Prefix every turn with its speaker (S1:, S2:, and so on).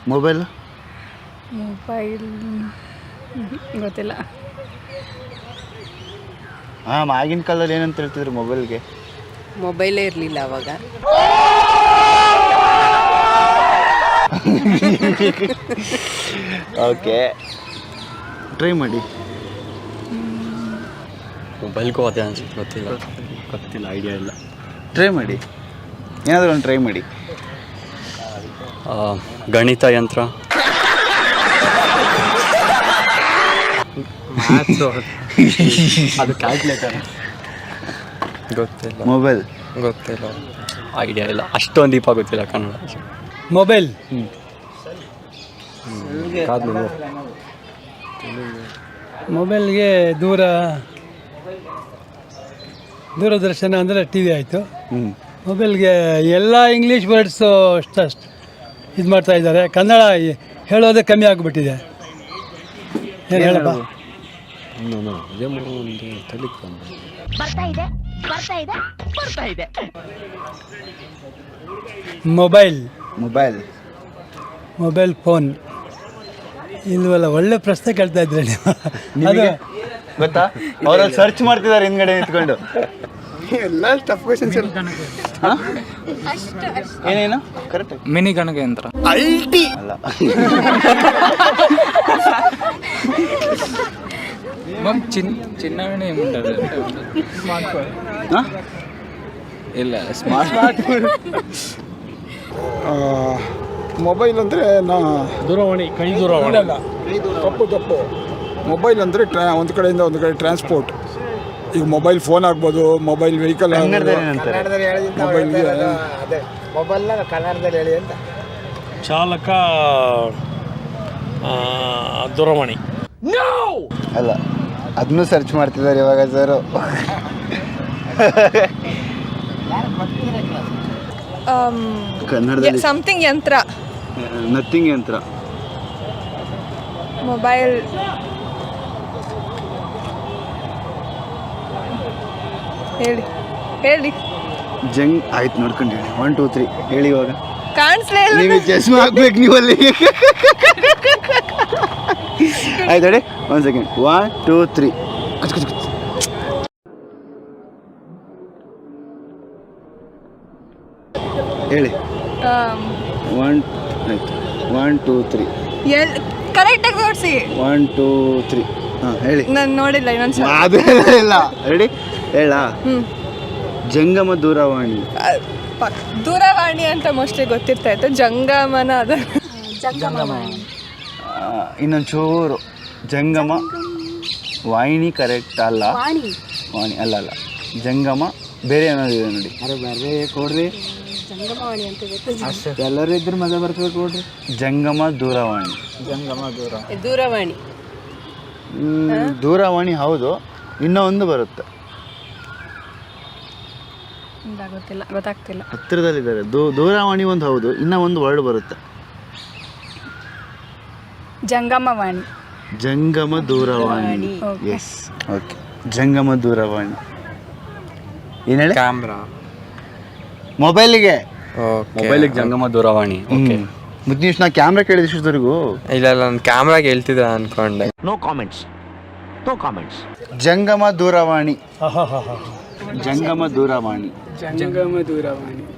S1: Mobile
S2: ಗೊತ್ತಿಲ್ಲ.
S1: ಹಾಂ, ಆಗಿನ ಕಾಲದಲ್ಲಿ ಏನಂತ ಹೇಳ್ತಿದ್ರು ಮೊಬೈಲ್ಗೆ?
S3: ಮೊಬೈಲೇ ಇರಲಿಲ್ಲ ಅವಾಗ.
S1: ಓಕೆ, ಟ್ರೈ ಮಾಡಿ.
S4: ಮೊಬೈಲ್ಗೂ ಅದೇ ಅನ್ಸುತ್ತೆ, ಗೊತ್ತಿಲ್ಲ, ಐಡಿಯಾ ಇಲ್ಲ.
S1: ಟ್ರೈ ಮಾಡಿ, ಏನಾದರೂ ಒಂದು ಟ್ರೈ ಮಾಡಿ.
S4: ಗಣಿತ ಯಂತ್ರ. ಅದು ಕ್ಯಾಲ್ಕುಲೇಟರ್. ಗೊತ್ತಿಲ್ಲ.
S1: ಮೊಬೈಲ್
S4: ಗೊತ್ತಿಲ್ಲ, ಐಡಿಯಾ ಇಲ್ಲ, ಅಷ್ಟೊಂದು ದೀಪ ಗೊತ್ತಿಲ್ಲ ಕನ್ನಡ.
S5: ಮೊಬೈಲ್. ಮೊಬೈಲ್ಗೆ ದೂರದರ್ಶನ ಅಂದರೆ ಟಿ ವಿ ಆಯಿತು. ಮೊಬೈಲ್ಗೆ ಎಲ್ಲ ಇಂಗ್ಲೀಷ್ ವರ್ಡ್ಸು ಅಷ್ಟು ಇದು ಮಾಡ್ತಾ ಇದ್ದಾರೆ, ಕನ್ನಡ ಹೇಳೋದೇ ಕಮ್ಮಿ ಆಗಿಬಿಟ್ಟಿದೆ. ಏನು ಹೇಳಪ್ಪ? ಮೊಬೈಲ್ ಫೋನ್ ಇಲ್ವಲ್ಲ. ಒಳ್ಳೆ ಪ್ರಶ್ನೆ ಕೇಳ್ತಾ ಇದ್ರೆ ನೀವು. ಅದು
S1: ಗೊತ್ತಾ, ಅವರಲ್ಲಿ ಸರ್ಚ್ ಮಾಡ್ತಿದ್ದಾರೆ ಹಿಂದ್ಗಡೆ ನಿಂತ್ಕೊಂಡು.
S5: ಎಲ್ಲ ಟಫ್ ಕ್ವೆಶ್ಚನ್ಸ್.
S1: ಏನೇನು ಕರೆಕ್ಟ್?
S6: ಮಿನಿ ಗಣಕಯಂತ್ರ
S1: ಅಲ್ಲ.
S6: చిన్నగానే ఏముంటుంది ಇಲ್ಲ
S5: ಸ್ಮಾರ್ಟ್ ಮೊಬೈಲ್ ಅಂದರೆ ದೂರವಾಣಿ, ಕೈ ದೂರವಾಣಿ ಅಲ್ಲ, ತಪ್ಪು. ಮೊಬೈಲ್ ಅಂದರೆ ಒಂದು ಕಡೆಯಿಂದ ಒಂದು ಕಡೆ ಟ್ರಾನ್ಸ್ಪೋರ್ಟ್. ಈಗ ಮೊಬೈಲ್ ಫೋನ್ ಆಗ್ಬೋದು, ಮೊಬೈಲ್ ವೆಹಿಕಲ್. ಮೊಬೈಲ್ನ ಕನ್ನಡದಲ್ಲಿ ಹೇಳಿ ಅಂತ. ಚಾಲಕ ದೂರವಾಣಿ
S1: ಅಲ್ಲ, ಅದನ್ನು ಸರ್ಚ್ ಮಾಡ್ತಿದ್ದಾರೆ ಇವಾಗ ಸರ್. ಕನ್ನಡದಲ್ಲಿ
S2: ಸಮಥಿಂಗ್ ಯಂತ್ರ.
S1: ನಥಿಂಗ್ ಯಂತ್ರ.
S2: ಮೊಬೈಲ್ ಹೇಳಿ.
S1: ಜಂಗ್ ಆಯ್ತು, ನೋಡ್ಕೊಂಡು ಹೇಳಿ. 1 2 3 ಹೇಳಿ. ಇವಾಗ
S2: ಕಾಣಿಸ್ಲೇ ಇಲ್ಲ.
S1: ನೀವು ಚಸ್ಮಾ ಹಾಕ್ಬೇಕು ನೀವು ಅಲ್ಲಿ. ಆಯ್ತು ಹೇಳಿ. 1 ಸೆಕೆಂಡ್. 1 2 3 ಹೇಳಿ. 1 ಆಯ್ತು. 1 2 3
S2: ಕರೆಕ್ಟಾಗಿ ನೋಡಿಸಿ.
S1: 1 2 3 ಹಾಂ ಹೇಳಿ.
S2: ನಾನು ನೋಡಿಲ್ಲ ಇನ್ನೊಂದು ಸಲ.
S1: ಅದೇ ಇಲ್ಲ ರೆಡಿ ಹೇಳ. ಜಂಗಮ ದೂರವಾಣಿ.
S2: ದೂರವಾಣಿ ಅಂತ ಮೋಸ್ಟ್ಲಿ ಗೊತ್ತಿರ್ತಾ ಇತ್ತು. ಜಂಗಮನ ಅದ.
S1: ಇನ್ನೊಂದು ಚೂರು. ಜಂಗಮ ವಾಹಿನಿ ಕರೆಕ್ಟ್ ಅಲ್ಲ. ವಾಣಿ ಅಲ್ಲ. ಜಂಗಮ ಬೇರೆ ಏನಾದಿದೆ ನೋಡಿ. ಬೇರೆ ಕೊಡ್ರಿ. ಎಲ್ಲರೂ ಇದ್ರೆ ಮಜಾ ಬರ್ತದೆ ಕೊಡ್ರಿ. ಜಂಗಮ ದೂರವಾಣಿ. ದೂರವಾಣಿ ಹೌದು. ಇನ್ನೂ ಒಂದು ಬರುತ್ತೆ,
S2: ಗೊತ್ತಾಗ್ತಿಲ್ಲ.
S1: ಹತ್ತಿರದಲ್ಲಿದ್ದಾರೆ. ದೂರವಾಣಿ ಒಂದು ಹೌದು, ಇನ್ನೂ ಒಂದು ವರ್ಡ್ ಬರುತ್ತೆ.
S2: ಜಂಗಮವಾಣಿ.
S1: ಜಂಗಮ ದೂರವಾಣಿ. Yes, okay. ಜಂಗಮ ದೂರವಾಣಿ ಏನು ಹೇಳಿ?
S4: ಕ್ಯಾಮ್ರಾ.
S1: ಮೊಬೈಲಿಗೆ
S4: ಜಂಗಮ ದೂರವಾಣಿ. ಓಕೆ.
S1: ಮುದ್ನೀಶ್, ನಾ ಕ್ಯಾಮ್ರಾ ಕೇಳಿದ ಇಷ್ಟೊತ್ತವರೆಗೂ.
S4: ಇಲ್ಲ, ನಾನು ಕ್ಯಾಮ್ರಾಗೆ ಹೇಳ್ತಿದ್ದೆ ಅನ್ಕೊಂಡೆ.
S7: No comments.
S1: ಜಂಗಮ ದೂರವಾಣಿ. ಜಂಗಮ ದೂರವಾಣಿ.